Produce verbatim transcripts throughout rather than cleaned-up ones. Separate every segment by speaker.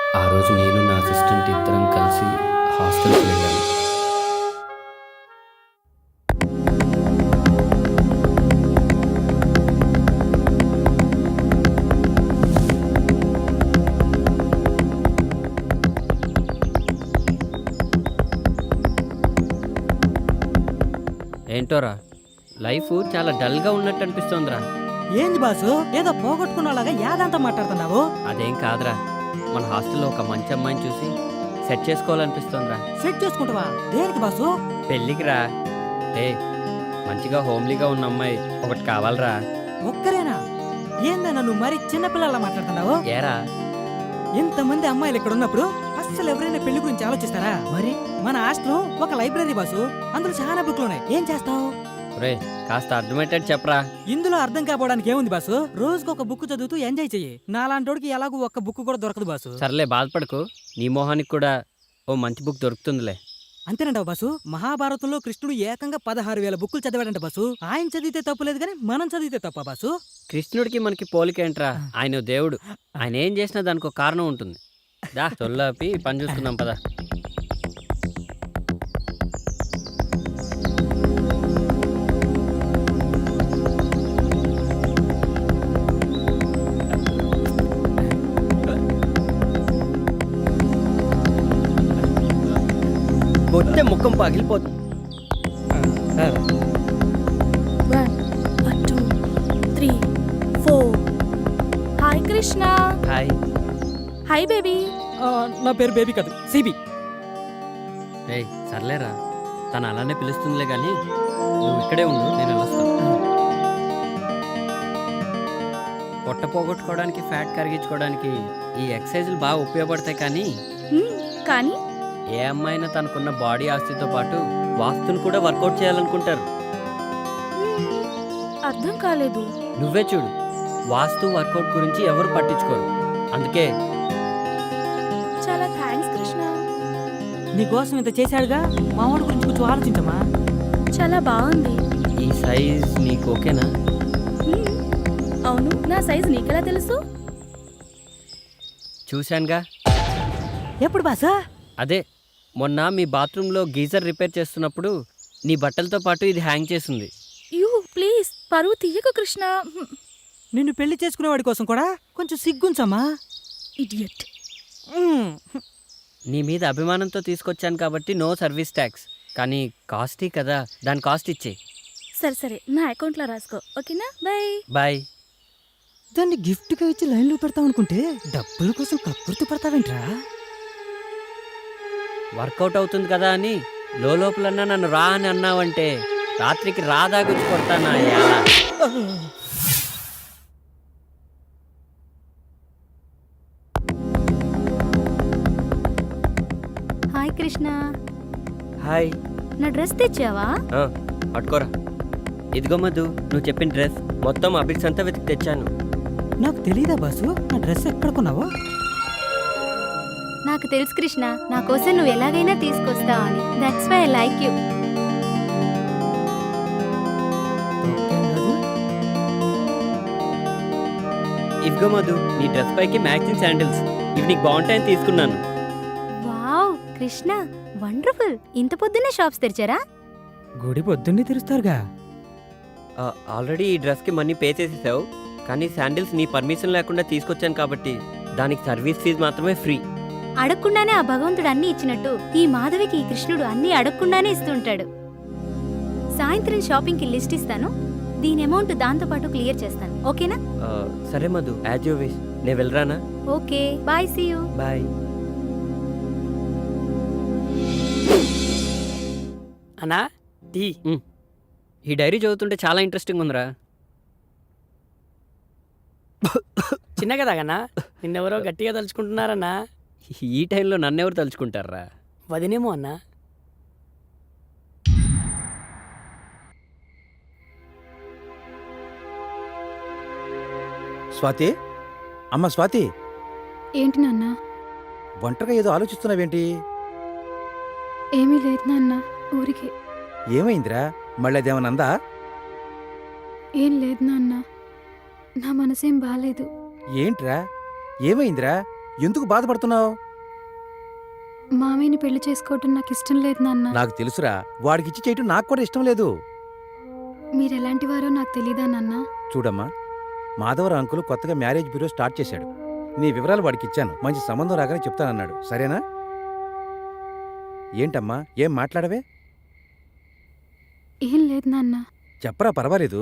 Speaker 1: ఆ రోజు నేను నా అసిస్టెంట్ ఇద్దరం కలిసి హాస్టల్కి వెళ్ళాను. ఏంటోరా లైఫ్ చాలా డల్గా ఉన్నట్టు అనిపిస్తోందిరా.
Speaker 2: ఏంది బాసు ఏదో పోగొట్టుకున్నలాగా యాదంతా మాట్లాడుతున్నావు?
Speaker 1: అదేం కాదురా, మన హాస్టల్లో ఒక మంచి అమ్మాయిని చూసి సెట్ చేసుకోవాలనిపిస్తోందిరా.
Speaker 2: సెట్ చేసుకుంటావా? దేనికి బాసు?
Speaker 1: పెళ్ళికి రా. ఏ మంచిగా హోమ్లీగా ఉన్న అమ్మాయి ఒకటి కావాలరా.
Speaker 2: ఒక్కరేనా? ఏందన్నా నువ్వు మరి చిన్నపిల్లలా మాట్లాడుతున్నావు?
Speaker 1: ఏరా
Speaker 2: ఇంతమంది అమ్మాయిలు ఇక్కడ ఉన్నప్పుడు అస్సలు ఎవరైనా పెళ్లి గురించి ఆలోచిస్తారా? మరి మన హాస్టల్ ఒక లైబ్రరీ బాసు, అందులో చాలా బుక్లు ఉన్నాయి. ఏం చేస్తావు?
Speaker 1: రే కాస్త అర్థమయ్యేటట్టు చెప్పరా.
Speaker 2: ఇందులో అర్థం కాపోవడానికి ఏముంది బాసు? రోజుకు ఒక బుక్ చదువుతూ ఎంజాయ్ చెయ్యి. నాలాంటోడికి ఎలాగూ ఒక్క బుక్ కూడా దొరకదు బాసు.
Speaker 1: సర్లే బాధపడకు, నీ మొహానికి కూడా ఓ మంచి బుక్ దొరుకుతుందిలే.
Speaker 2: అంతేనంటావు బాసు? మహాభారతంలో కృష్ణుడు ఏకంగా పదహారు వేల బుక్కులు చదివాడంట బాసు. ఆయన చదివితే తప్పులేదు కానీ మనం చదివితే తప్ప బాసు?
Speaker 1: కృష్ణుడికి మనకి పోలికేంట్రా, ఆయన దేవుడు. ఆయన ఏం చేసినా దానికి ఒక కారణం ఉంటుంది. దా తొల్లాపి పని చూసుకుందాం పదా. కొట్టే ముఖం పగిలిపోతుంది.
Speaker 3: One, one, two, three, four. Hi Krishna.
Speaker 1: Hi.
Speaker 3: Hi baby.
Speaker 2: ఆ, నా పేరు బేబీ కాదు, సిబి.
Speaker 1: రే సర్లేరా, తను అలానే పిలుస్తుందిలే కానీ నువ్వు ఇక్కడే ఉండు, నేను వెళ్ళొస్తాను. పొట్ట పోగొట్టుకోవడానికి ఫ్యాట్ కరిగించుకోవడానికి ఈ ఎక్సర్సైజులు బాగా ఉపయోగపడతాయి. కానీ
Speaker 3: హ్మ్, కానీ
Speaker 1: ఏ అమ్మాయినా తనకున్న బాడీ ఆస్తితో పాటు వాస్తును కూడా వర్కౌట్ చేయాలనుకుంటారు.
Speaker 3: హ్మ్, అర్థం కాలేదు.
Speaker 1: నువ్వే చూడు, వాస్తు వర్కౌట్ గురించి ఎవరు పట్టించుకోరు. అందుకే
Speaker 3: చాలా థ్యాంక్స్ కృష్ణ.
Speaker 2: నీకోసం ఇంత చేశాడుగా, మా వాడి గురించి కొంచెం ఆలోచించమా.
Speaker 3: చాలా బాగుంది.
Speaker 1: ఈ సైజ్ నీకు ఓకేనా?
Speaker 3: హ్మ్, అవును, నా సైజ్ నీకెలా తెలుసు?
Speaker 1: చూశానుగా.
Speaker 2: ఎప్పుడు బాసా?
Speaker 1: అదే మొన్న మీ బాత్రూంలో గీజర్ రిపేర్ చేస్తున్నప్పుడు నీ బట్టలతో పాటు ఇది హ్యాంగ్ చేసింది.
Speaker 3: యూ ప్లీజ్ పరువు తీయకు కృష్ణ. హ్మ్,
Speaker 2: నిన్ను పెళ్లి చేసుకునేవాడి కోసం కూడా కొంచెం సిగ్గుంచమ్మా.
Speaker 3: ఇడియట్.
Speaker 2: మ్మ్.
Speaker 1: నీ మీద అభిమానంతో తీసుకొచ్చాను కాబట్టి నో సర్వీస్ ట్యాక్స్. కానీ కాస్టీ కదా, దాని కాస్ట్ ఇచ్చే.
Speaker 3: సరే సరే, నా అకౌంట్లో రాసుకో, ఓకేనా? బాయ్.
Speaker 1: బాయ్.
Speaker 2: దాన్ని గిఫ్ట్గా ఇచ్చి లైన్లో పెడతావనుకుంటే డబ్బుల కోసం కక్కుర్తి పడతావేంట్రా?
Speaker 1: వర్కౌట్ అవుతుంది కదా అని లోపలన్నా నన్ను రా అని అన్నావంటే రాత్రికి రాదా గుచ్చి కొడతానా ఎలా?
Speaker 3: హాయ్ కృష్ణ.
Speaker 1: హాయ్.
Speaker 3: నా డ్రెస్ తెచ్చావా?
Speaker 1: ఆ, పట్టుకోరా. ఇదిగో మధు, నువ్వు చెప్పిన డ్రెస్ మొత్తం అభిక్స్ అంతా వెతికి తెచ్చాను.
Speaker 2: నాకు తెలీదా బాసు నా డ్రెస్ ఎక్కడ కొన్నావో?
Speaker 3: నాకు తెలుసు కృష్ణ, నా కోసం నువ్వు ఎలాగైనా తీసుకొస్తావు అని. That's why I like you.
Speaker 1: ఇదిగో మధు, నీ డ్రెస్ పైకి మ్యాచింగ్ శాండిల్స్. ఇవి నీకు బాగుంటాయని తీసుకున్నాను.
Speaker 3: Wow Krishna, wonderful. ఇంత పొద్దున్నే షాప్స్ తెరిచారా?
Speaker 2: గుడి పొద్దున్నే తెరుస్తారుగా.
Speaker 1: ఆ, ఆల్రెడీ ఈ డ్రెస్కి మనీ పే చేసేసావు, కానీ శాండిల్స్ నీ పర్మిషన్ లేకుండా తీసుకొచ్చాను కాబట్టి దానికి సర్వీస్ ఫీజు మాత్రమే ఫ్రీ.
Speaker 3: అడగకుండానే ఆ భగవంతుడు అన్ని ఇచ్చినట్టు ఈ మాధవికి ఈ కృష్ణుడు అన్ని అడగకుండానే ఇస్తుంటాడు. సాయంత్రం షాపింగ్కి లిస్ట్ ఇస్తాను, దీని అమౌంట్ దాంతో పాటు క్లియర్ చేస్తాను, ఓకేనా?
Speaker 1: ఆ, సరే మధు, యాజ్ యూ విష్. నేను వెళ్ళరానా?
Speaker 3: Okay bye, see you.
Speaker 1: Bye.
Speaker 4: అన్నా టీ.
Speaker 1: ఈ డైరీ చదువుతుంటే చాలా ఇంట్రెస్టింగ్ ఉందిరా.
Speaker 4: చిన్నగా తాగన్నా, నిన్నెవరో గట్టిగా తలుచుకుంటున్నారన్నా.
Speaker 1: ఈ టైంలో నన్నెవరు తలుచుకుంటారా?
Speaker 4: వదినేమో అన్నా.
Speaker 5: స్వాతి, అమ్మ స్వాతి,
Speaker 6: ఏంటి నాన్న?
Speaker 5: ఒంటరిగా ఏదో ఆలోచిస్తున్నావేంటి?
Speaker 6: ఏమీ లేదు నాన్న, ఊరికే.
Speaker 5: ఏమైందిరా? మళ్ళీ అదేమనందా?
Speaker 6: ఏం లేదు నాన్న, నా మనసేం బాలేదు.
Speaker 5: ఏంట్రా, ఏమైందిరా? ఎందుకు బాధపడుతున్నావు?
Speaker 6: మామయ్యని పెళ్లి చేసుకోవటం నాకు ఇష్టం లేదు నాన్న.
Speaker 5: నాకు తెలుసురా, వాడికిచ్చి చేయటం నాకు కూడా ఇష్టం లేదు.
Speaker 6: మీరు ఎలాంటి వారో నాకు తెలీదా నాన్న?
Speaker 5: చూడమ్మా, మాధవరావు అంకుల్ కొత్తగా మ్యారేజ్ బ్యూరో స్టార్ట్ చేశాడు. నీ వివరాలు వాడికి ఇచ్చాను. మంచి సంబంధం రాగానే చెప్తానన్నాడు. సరేనా? ఏంటమ్మా, ఏం మాట్లాడవే?
Speaker 6: ఏం లేదు నాన్న.
Speaker 5: చెప్పరా, పర్వాలేదు.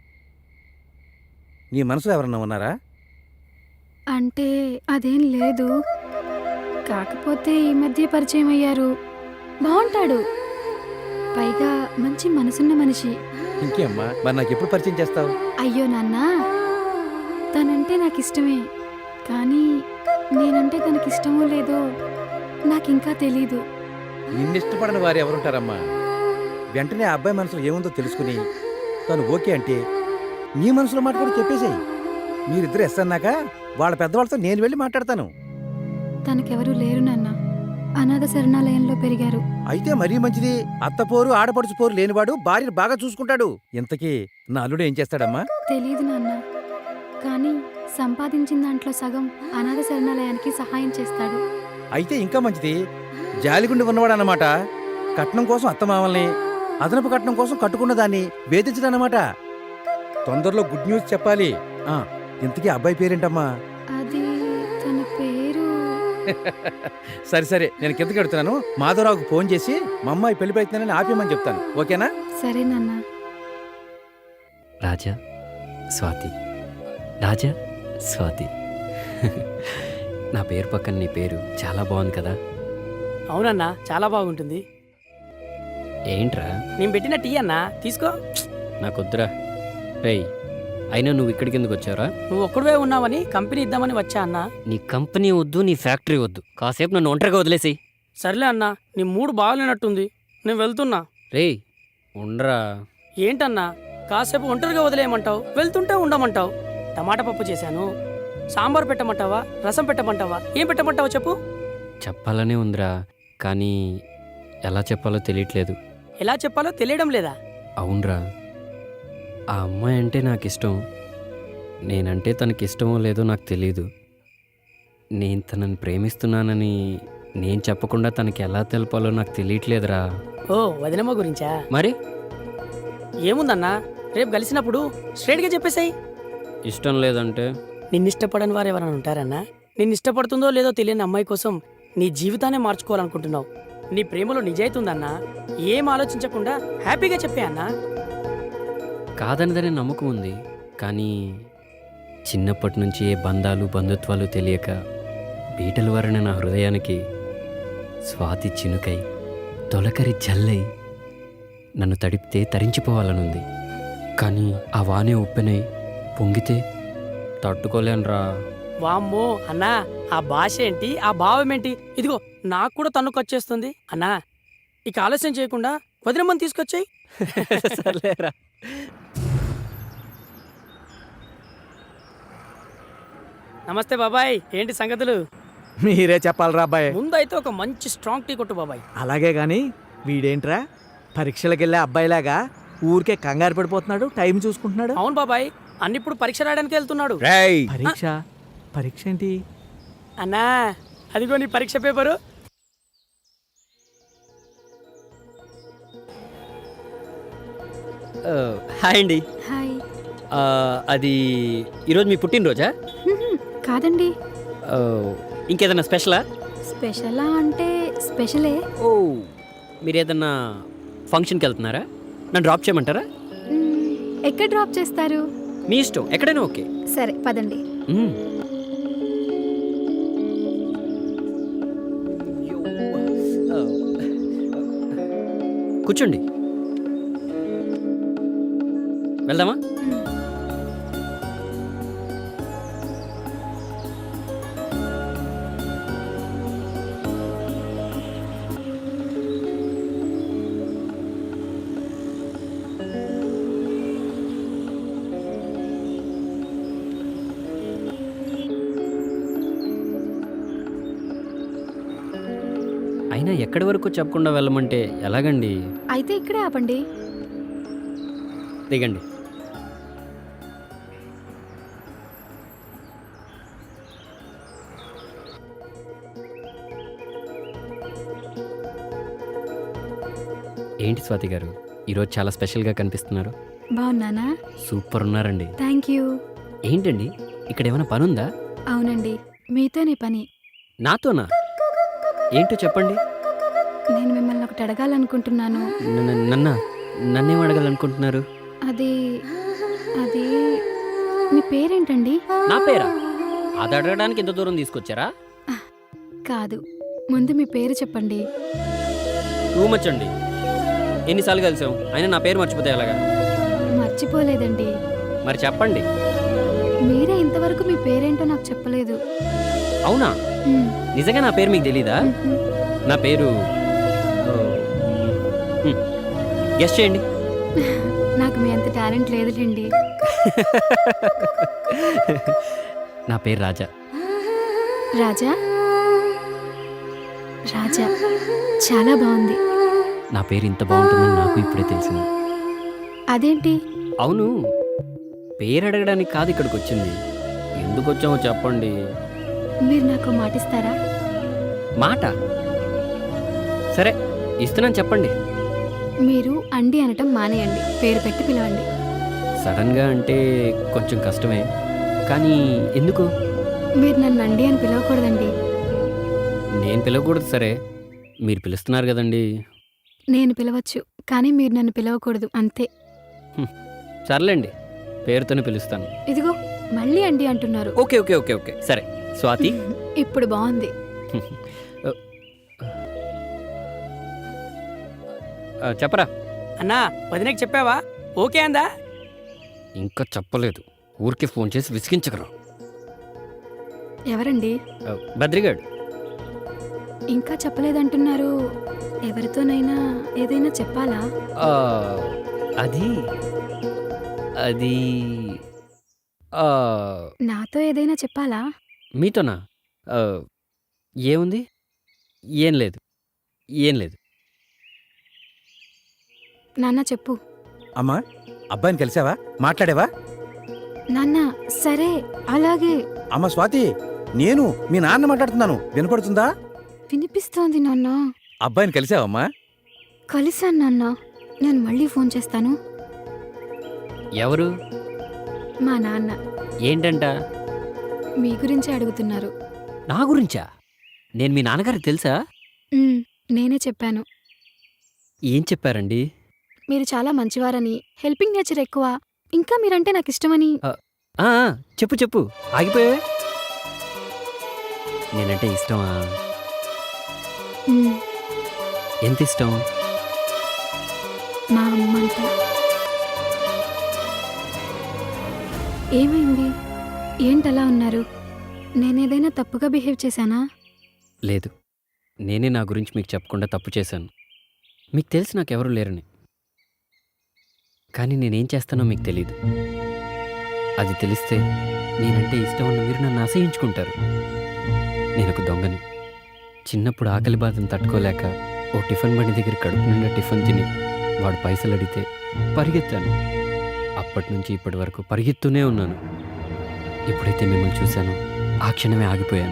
Speaker 5: నీ మనసులో ఎవరన్నా ఉన్నారా?
Speaker 6: అంటే అదేం లేదు. కాకపోతే ఈ మధ్య పరిచయం అయ్యారు. బాగుంటాడు, పైగా మంచి మనసున్న మనిషి.
Speaker 5: ఇంకేమ్మా, మరి నాకు ఎప్పుడు పరిచయం చేస్తావు?
Speaker 6: అయ్యో నాన్న, తనంటే నాకు ఇష్టమే, కానీ నేనంటే తనకి ఇష్టమో లేదో నాకింకా తెలీదు.
Speaker 5: నిన్నిష్టపడని వారు ఎవరుంటారమ్మా? వెంటనే ఆ అబ్బాయి మనసులో ఏముందో తెలుసుకుని తను ఓకే అంటే నీ మనసులో మాట కూడా చెప్పేసేయి. మీరిద్దరు ఎస్ అన్నాక వాళ్ళ పెద్దవాళ్ళతో నేను వెళ్ళి మాట్లాడతాను.
Speaker 6: తనకెవరూ లేరు నాన్న. అనాథ శరణాలయంలో పెరిగారు.
Speaker 5: అయితే మరీ మంచిది. అత్తపోరు ఆడపడుచు పోరు లేనివాడు భార్యను బాగా చూసుకుంటాడు. ఇంతకీ నా అల్లుడు ఏం చేస్తాడమ్మా?
Speaker 6: తెలీదు నాన్న, కానీ సంపాదించిన దాంట్లో సగం అనాథ శరణాలయానికి సహాయం చేస్తాడు.
Speaker 5: అయితే ఇంకా మంచిది. జాలిగుండి ఉన్నవాడు అన్నమాట. కట్నం కోసం అత్తమామల్ని, అదనపు కట్నం కోసం కట్టుకున్న దాన్ని వేధించడన్నమాట. తొందరలో గుడ్ న్యూస్ చెప్పాలి. ఆ, ఇంతకీ అబ్బాయి పేరేంటమ్మా?
Speaker 6: అది తన పేరు
Speaker 5: సరే సరే, నేను కిందకి వెడుతున్నాను. మాధవరావుకు ఫోన్ చేసి మా అమ్మాయి పెళ్లి ప్రయత్నాన్ని ఆపేయమని చెప్తాను. ఓకేనా?
Speaker 6: సరే నాన్న.
Speaker 1: రాజా, స్వాతి. రాజా, స్వాతి. నా పేరు పక్కన నీ పేరు చాలా బాగుంది కదా?
Speaker 4: అవునన్నా, చాలా బాగుంటుంది.
Speaker 1: ఏంట్రా?
Speaker 4: నేను పెట్టిన టీ అన్నా, తీసుకో.
Speaker 1: నాకొద్దురా. రేయ్, అయినా నువ్వు ఇక్కడికి ఎందుకు వచ్చావురా?
Speaker 4: నువ్వు ఒక్కడివే ఉన్నావని కంపెనీ ఇద్దామని వచ్చా అన్నా.
Speaker 1: నీ కంపెనీ వద్దు, నీ ఫ్యాక్టరీ వద్దు. కాసేపు నన్ను ఒంటరిగా వదిలేసి.
Speaker 4: సర్లే అన్నా, నీ మూడు బాగాలేనట్టుంది, నేను వెళ్తున్నా.
Speaker 1: రేయ్, ఉండరా.
Speaker 4: ఏంటన్నా, కాసేపు ఒంటరిగా వదిలేయమంటావు, వెళ్తుంటే ఉండమంటావు. టమాటా పప్పు చేశాను, సాంబార్ పెట్టమంటావా, రసం పెట్టమంటావా, ఏం పెట్టమంటావా చెప్పు.
Speaker 1: చెప్పాలనే ఉందిరా, కానీ ఎలా చెప్పాలో తెలియట్లేదు.
Speaker 4: ఎలా చెప్పాలో తెలియడం లేదా?
Speaker 1: అవునరా, ఆ అమ్మాయి అంటే నాకు ఇష్టం. నేనంటే తనకి ఇష్టమో లేదో నాకు తెలీదు. నేను తనని ప్రేమిస్తున్నానని నేను చెప్పకుండా తనకి ఎలా తెలపాలో నాకు తెలియట్లేదురా.
Speaker 4: ఓ, వదినమ్మ గురించా?
Speaker 1: మరి
Speaker 4: ఏముందన్నా, రేపు కలిసినప్పుడు స్ట్రైట్గా చెప్పేసాయి.
Speaker 1: ఇష్టం లేదంటే?
Speaker 4: నిన్నిష్టపడని వారు ఎవరైనా ఉంటారన్నా? నిన్ను ఇష్టపడుతుందో లేదో తెలియని అమ్మాయి కోసం నీ జీవితాన్ని మార్చుకోవాలనుకుంటున్నావు. నీ ప్రేమలో నిజాయితీ ఉందన్నా. ఏం ఆలోచించకుండా హ్యాపీగా చెప్పే అన్నా.
Speaker 1: కాదనదనే నమ్మకం ఉంది, కానీ చిన్నప్పటి నుంచి ఏ బంధాలు బంధుత్వాలు తెలియక బీటల వరణ నా హృదయానికి స్వాతి చినుకై తొలకరి జల్లై నన్ను తడిపితే తరించిపోవాలనుంది. కానీ ఆ వానే ఉప్పెనై పొంగితే తట్టుకోలేనురా.
Speaker 4: వామ్మో అన్నా, ఆ భాష ఏంటి, ఆ భావం ఏంటి? ఇదిగో నాకు కూడా తన్నుకొచ్చేస్తుంది అన్నా. ఇక ఆలస్యం చేయకుండా వదినమ్మని తీసుకొచ్చాయి.
Speaker 1: సర్లేరా.
Speaker 4: నమస్తే బాబాయ్, ఏంటి సంగతులు?
Speaker 7: మీరే చెప్పాలరా అబ్బాయి.
Speaker 4: ముందైతే ఒక మంచి స్ట్రాంగ్ టీ కొట్టు బాబాయ్.
Speaker 7: అలాగే గాని వీడేంట్రా పరీక్షలకు వెళ్ళే అబ్బాయిలాగా ఊరికే కంగారు పడిపోతున్నాడు, టైం చూసుకుంటున్నాడు.
Speaker 4: అవును బాబాయ్, అన్నిప్పుడు పరీక్ష రాయడానికి వెళ్తున్నాడు.
Speaker 7: పరీక్ష? పరీక్ష ఏంటి
Speaker 4: అన్నా? అదిగో నీ పరీక్ష పేపరు.
Speaker 1: హాయ్ అండి.
Speaker 6: హాయ్.
Speaker 1: ఆ, అది ఈరోజు మీ పుట్టినరోజా?
Speaker 6: హ్మ్, కాదండి.
Speaker 1: ఆ, ఇంకేదన్నా స్పెషలా?
Speaker 6: స్పెషలా అంటే స్పెషలే.
Speaker 1: ఓ, మీరు ఏదన్నా ఫంక్షన్కి వెళ్తున్నారా? నన్ను డ్రాప్ చేయమంటారా?
Speaker 6: మ్మ్, ఎక్కడ డ్రాప్ చేస్తారు?
Speaker 1: మీ ఇష్టం, ఎక్కడైనా ఓకే.
Speaker 6: సరే పదండి.
Speaker 1: మ్మ్. కూర్చోండి, వెళ్దామా? అయినా ఎక్కడి వరకు చెప్పకుండా వెళ్ళమంటే ఎలాగండి?
Speaker 6: అయితే ఇక్కడే ఆపండి.
Speaker 1: దిగండి. ఏంటి స్వాతి గారు ఈరోజు చాలా స్పెషల్గా కనిపిస్తున్నారు.
Speaker 6: బాగున్నానా?
Speaker 1: సూపర్ ఉన్నారండి.
Speaker 6: Thank you.
Speaker 1: ఏంటండి ఇక్కడ ఏమైనా పనుందా?
Speaker 6: అవునండి, మీతోనే పని.
Speaker 1: నాతోనా? ఏంటో చెప్పండి.
Speaker 6: నేను మిమ్మల్ని ఒకటి అడగాలనుకుంటున్నాను.
Speaker 1: నన్ను- నన్న నన్నేం అడగాలనుకుంటున్నారు?
Speaker 6: అది అది మీ పేరేంటండి?
Speaker 1: నా పేరా? అది అడగడానికి ఎంత దూరం తీసుకొచ్చారా?
Speaker 6: కాదు, ముందు మీ పేరు చెప్పండి.
Speaker 1: టూ మచ్ అండి. ఎన్నిసార్లు కలిసాం అయినా నా పేరు మర్చిపోతే ఎలాగా?
Speaker 6: మర్చిపోలేదండి.
Speaker 1: మరి చెప్పండి.
Speaker 6: మీరే ఇంతవరకు మీ పేరేంటో నాకు చెప్పలేదు.
Speaker 1: అవునా?
Speaker 6: మ్,
Speaker 1: నిజంగా నా పేరు మీకు తెలీదా?
Speaker 6: మ్హూ.
Speaker 1: నా పేరు గెస్ చేయండి.
Speaker 6: నాకు మీ అంత టాలెంట్ లేదులేండి.
Speaker 1: నా పేరు రాజా.
Speaker 6: రాజా రాజా చాలా బాగుంది.
Speaker 1: నా పేరు ఇంత బాగుంటుందని నాకు ఇప్పుడే తెలిసింది.
Speaker 6: అదేంటి?
Speaker 1: అవును, పేరు అడగడానికి కాదు ఇక్కడికి వచ్చింది. ఎందుకు వచ్చామో చెప్పండి.
Speaker 6: మీరు నాకు మాటిస్తారా?
Speaker 1: మాట సరే ఇస్తున్నాను, చెప్పండి.
Speaker 6: మీరు అండి అనటం మానేయండి, పేరు పెట్టి పిలవండి.
Speaker 1: సడన్గా అంటే కొంచెం కష్టమే, కానీ ఎందుకు?
Speaker 6: మీరు నన్ను అండి అని పిలవకూడదండి.
Speaker 1: నేను పిలవకూడదు సరే, మీరు పిలుస్తున్నారు కదండి.
Speaker 6: నేను పిలవచ్చు, కానీ మీరు నన్ను పిలవకూడదు, అంతే.
Speaker 1: సర్లేండి, పేరుతోనే పిలుస్తాను.
Speaker 6: ఇదిగో మళ్ళీ అండి అంటున్నారు.
Speaker 1: ఓకే ఓకే ఓకే ఓకే సరే స్వాతి.
Speaker 6: ఇప్పుడు బాగుంది.
Speaker 1: ఆ, చెప్పరా.
Speaker 4: అన్నా, వదినకి చెప్పావా? ఓకే అందా?
Speaker 1: ఇంకా చెప్పలేదు, ఊరికే ఫోన్ చేసి విసిగించకరా.
Speaker 6: ఎవరండి?
Speaker 1: ఆ, బద్రిగాడు.
Speaker 6: ఇంకా చెప్పలేదంటున్నారు. ఎవరితోనైనా ఏదైనా చెప్పాలా?
Speaker 1: ఆ, అది అది ఆ,
Speaker 6: నాతో ఏదైనా చెప్పాలా?
Speaker 1: మీతోనా? ఆ, ఏముంది? ఏం లేదు, ఏం లేదు.
Speaker 6: నాన్న చెప్పు.
Speaker 5: అమ్మా, అబ్బాయిని కలిసావా? మాట్లాడావా?
Speaker 6: నాన్న సరే అలాగే.
Speaker 5: అమ్మ స్వాతి, నేను మీ నాన్న మాట్లాడుతున్నాను, వినపడుతుందా?
Speaker 6: వినిపిస్తోంది నాన్న.
Speaker 5: అబ్బాయిని కలిసావమ్మా?
Speaker 6: కలిసాను నాన్న. నేను మళ్ళీ ఫోన్ చేస్తాను.
Speaker 1: ఎవరు?
Speaker 6: మా నాన్న
Speaker 1: ఏంటంట?
Speaker 6: మీ గురించే అడుగుతున్నారు.
Speaker 1: నా గురించా? నేను మీ నాన్నగారికి తెలుసా?
Speaker 6: ఉమ్, నేనే చెప్పాను.
Speaker 1: ఏం చెప్పారండి?
Speaker 6: మీరు చాలా మంచివారని, హెల్పింగ్ నేచర్ ఎక్కువ, ఇంకా మీరంటే నాకు ఇష్టమని.
Speaker 1: ఆ, ఆ, చెప్పు చెప్పు, ఆగిపోయావే. నేనంటే ఇష్టమా?
Speaker 6: ఉమ్,
Speaker 1: ఎంత ఇష్టం?
Speaker 6: మా అమ్మంతా. ఏమైంది? ఏంటలా ఉన్నారు? నేనేదైనా తప్పుగా బిహేవ్ చేశానా?
Speaker 1: లేదు, నేనే నా గురించి మీకు చెప్పకుండా తప్పు చేశాను. మీకు తెలిసి నాకెవరూ లేరని, కానీ నేనేం చేస్తానో మీకు తెలీదు. అది తెలిస్తే నేనంటే ఇష్టం ఉన్న మీరు నన్ను అసహించుకుంటారు. నేను ఒక దొంగని. చిన్నప్పుడు ఆకలి బాధను తట్టుకోలేక ఓ టిఫిన్ బండి దగ్గర కడుపు నిండా టిఫిన్ తిని వాడు పైసలు అడిగితే పరిగెత్తాను. అప్పటి నుంచి ఇప్పటి వరకు పరిగెత్తూనే ఉన్నాను. ఎప్పుడైతే మిమ్మల్ని చూశానో ఆ క్షణమే ఆగిపోయాను.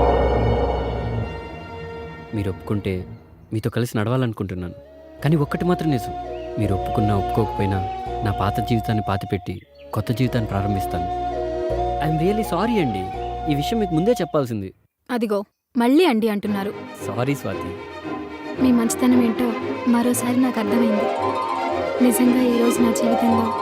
Speaker 1: మీరు ఒప్పుకుంటే మీతో కలిసి నడవాలనుకుంటున్నాను. కానీ ఒక్కటి మాత్రం నిజం, మీరు ఒప్పుకున్నా ఒప్పుకోకపోయినా నా పాత జీవితాన్ని పాతిపెట్టి కొత్త జీవితాన్ని ప్రారంభిస్తాను. ఐఎమ్ రియల్లీ సారీ అండి, ఈ విషయం మీకు ముందే చెప్పాల్సింది.
Speaker 6: అదిగో మళ్ళీ అండి అంటున్నారు.
Speaker 1: సారీ స్వాతి.
Speaker 6: మీ మంచితనం ఏంటో మరోసారి నాకు అర్థమైంది. నిజంగా ఈరోజు నా జీవితంలో